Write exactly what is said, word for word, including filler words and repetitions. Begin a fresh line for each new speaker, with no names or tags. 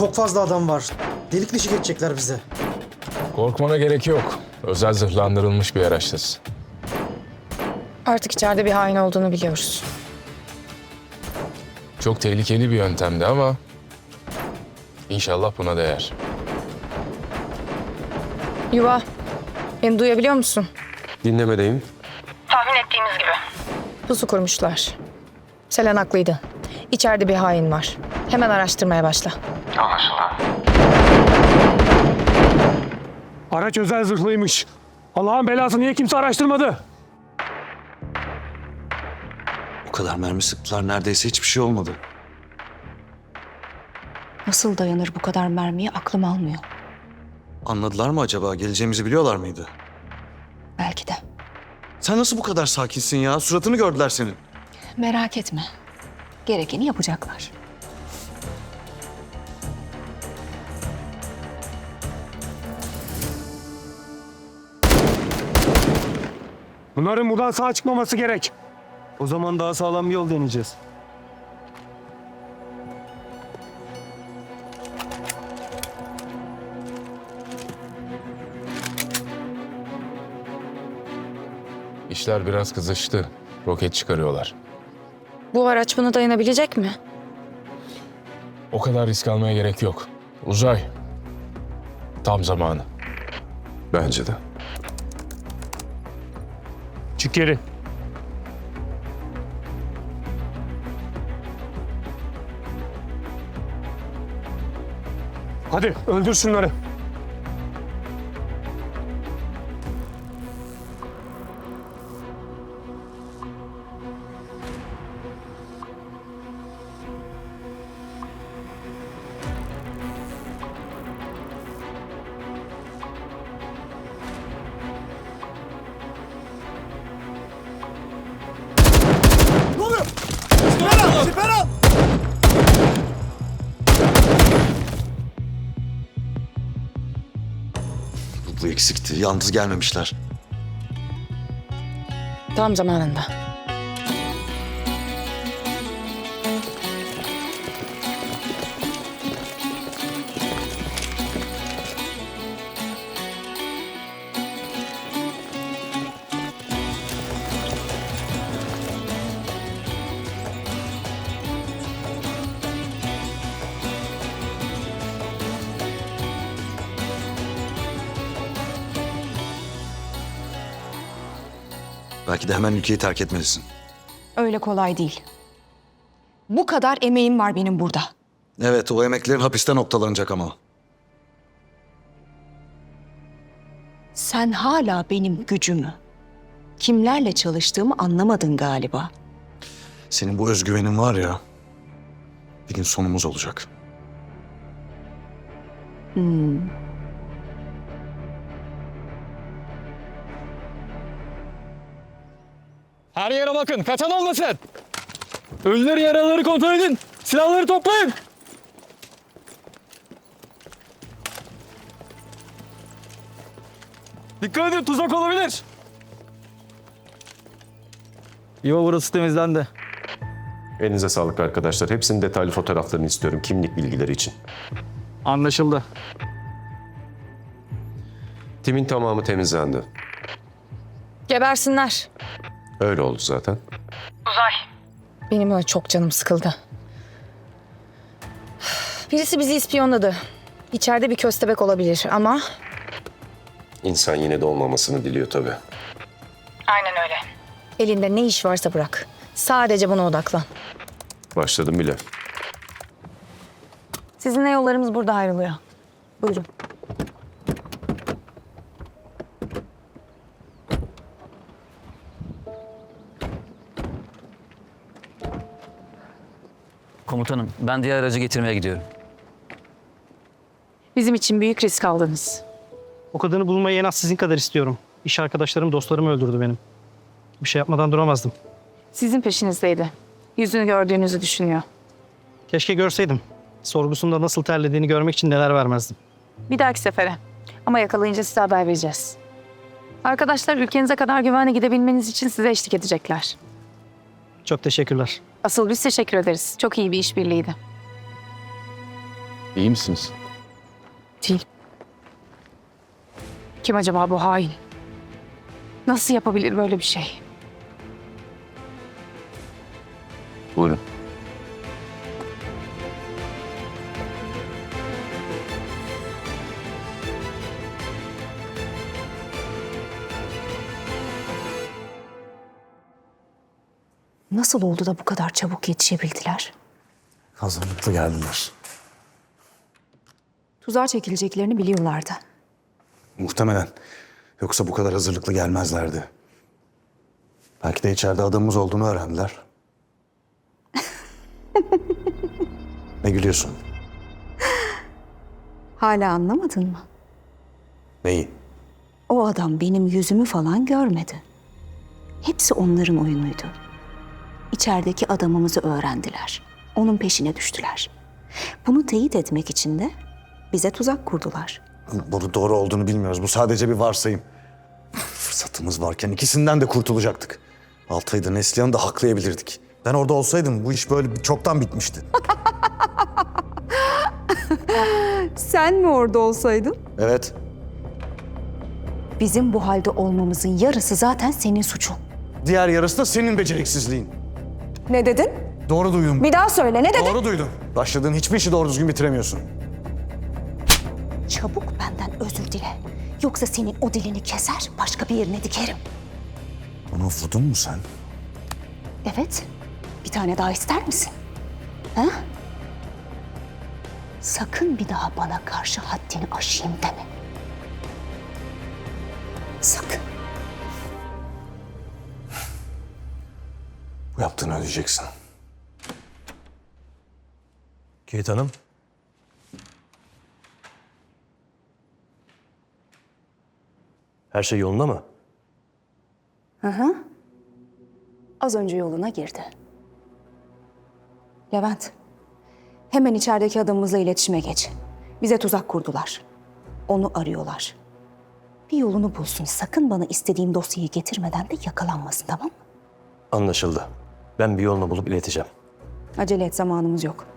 çok fazla adam var. Delik dişi geçecekler bize.
Korkmana gerek yok. Özel zırhlandırılmış bir araçtır.
Artık içeride bir hain olduğunu biliyoruz.
Çok tehlikeli bir yöntemdi ama inşallah buna değer.
Yuva, beni duyabiliyor musun?
Dinlemedeyim.
Tahmin ettiğimiz gibi. Pusu kurmuşlar. Selen haklıydı. İçeride bir hain var. Hemen araştırmaya başla.
Araç özel zırhlıymış. Allah'ın belası, niye kimse araştırmadı?
O kadar mermi sıktılar, neredeyse hiçbir şey olmadı.
Nasıl dayanır bu kadar mermiye aklım almıyor.
Anladılar mı acaba? Geleceğimizi biliyorlar mıydı?
Belki de.
Sen nasıl bu kadar sakinsin ya? Suratını gördüler senin.
Merak etme. Gerekeni yapacaklar.
Bunların buradan sağ çıkmaması gerek.
O zaman daha sağlam bir yol deneyeceğiz.
İşler biraz kızıştı. Roket çıkarıyorlar.
Bu araç buna dayanabilecek mi?
O kadar risk almaya gerek yok. Uzay. Tam zamanı.
Bence de.
Çık geri. Hadi öldür şunları.
Bu, bu eksikti. Yalnız gelmemişler.
Tam zamanında.
Belki de hemen ülkeyi terk etmelisin.
Öyle kolay değil. Bu kadar emeğim var benim burada.
Evet, o emeklerin hapiste noktalanacak ama.
Sen hala benim gücümü, kimlerle çalıştığımı anlamadın galiba.
Senin bu özgüvenin var ya, bir gün sonumuz olacak.
Hmm.
Her yere bakın, kaçan olmasın. Ölüleri, yaralıları kontrol edin. Silahları toplayın. Dikkat edin, tuzak olabilir. Yuva burası temizlendi.
Elinize sağlık arkadaşlar. Hepsinin detaylı fotoğraflarını istiyorum kimlik bilgileri için.
Anlaşıldı.
Timin tamamı temizlendi.
Gebersinler.
Öyle oldu zaten.
Benim öyle çok canım sıkıldı. Birisi bizi ispiyonladı. İçeride bir köstebek olabilir ama...
İnsan yine de olmamasını diliyor tabii.
Aynen öyle. Elinde ne iş varsa bırak. Sadece buna odaklan.
Başladım bile.
Sizinle yollarımız burada ayrılıyor. Buyurun.
Komutanım, ben diğer aracı getirmeye gidiyorum.
Bizim için büyük risk aldınız.
O kadını bulmayı en az sizin kadar istiyorum. İş arkadaşlarım, dostlarımı öldürdü benim. Bir şey yapmadan duramazdım.
Sizin peşinizdeydi. Yüzünü gördüğünüzü düşünüyor.
Keşke görseydim. Sorgusunda nasıl terlediğini görmek için neler vermezdim.
Bir dahaki sefere. Ama yakalayınca size haber vereceğiz. Arkadaşlar ülkenize kadar güvenle gidebilmeniz için size eşlik edecekler.
Çok teşekkürler.
Asıl biz teşekkür ederiz. Çok iyi bir işbirliğiydi.
İyi misiniz?
Değil. Kim acaba bu hain? Nasıl yapabilir böyle bir şey?
Buyurun.
Nasıl oldu da bu kadar çabuk yetişebildiler?
Hazırlıklı geldiler.
Tuzağa çekileceklerini biliyorlardı.
Muhtemelen. Yoksa bu kadar hazırlıklı gelmezlerdi. Belki de içeride adamımız olduğunu öğrendiler. Ne gülüyorsun?
Hala anlamadın mı?
Neyi?
O adam benim yüzümü falan görmedi. Hepsi onların oyunuydu. İçerideki adamımızı öğrendiler. Onun peşine düştüler. Bunu teyit etmek için de bize tuzak kurdular.
Bunu doğru olduğunu bilmiyoruz. Bu sadece bir varsayım. Fırsatımız varken ikisinden de kurtulacaktık. Altay'ı da Neslihan'ı da haklayabilirdik. Ben orada olsaydım bu iş böyle çoktan bitmişti.
Sen mi orada olsaydın?
Evet.
Bizim bu halde olmamızın yarısı zaten senin suçun.
Diğer yarısı da senin beceriksizliğin.
Ne dedin?
Doğru duydum.
Bir daha söyle, ne dedin?
Doğru duydum. Başladığın hiçbir işi doğru düzgün bitiremiyorsun.
Çabuk benden özür dile. Yoksa senin o dilini keser, başka bir yerine dikerim.
Bunu vurdun mu sen?
Evet. Bir tane daha ister misin? Ha? Sakın bir daha bana karşı haddini aşayım deme. Sakın.
Bu yaptığını ödeyeceksin.
Kate Hanım. Her şey yolunda mı?
Hı hı. Az önce yoluna girdi. Levent, hemen içerideki adamımızla iletişime geç. Bize tuzak kurdular. Onu arıyorlar. Bir yolunu bulsun. Sakın bana istediğim dosyayı getirmeden de yakalanmasın, tamam mı?
Anlaşıldı. Ben bir yolunu bulup ileteceğim.
Acele et, zamanımız yok.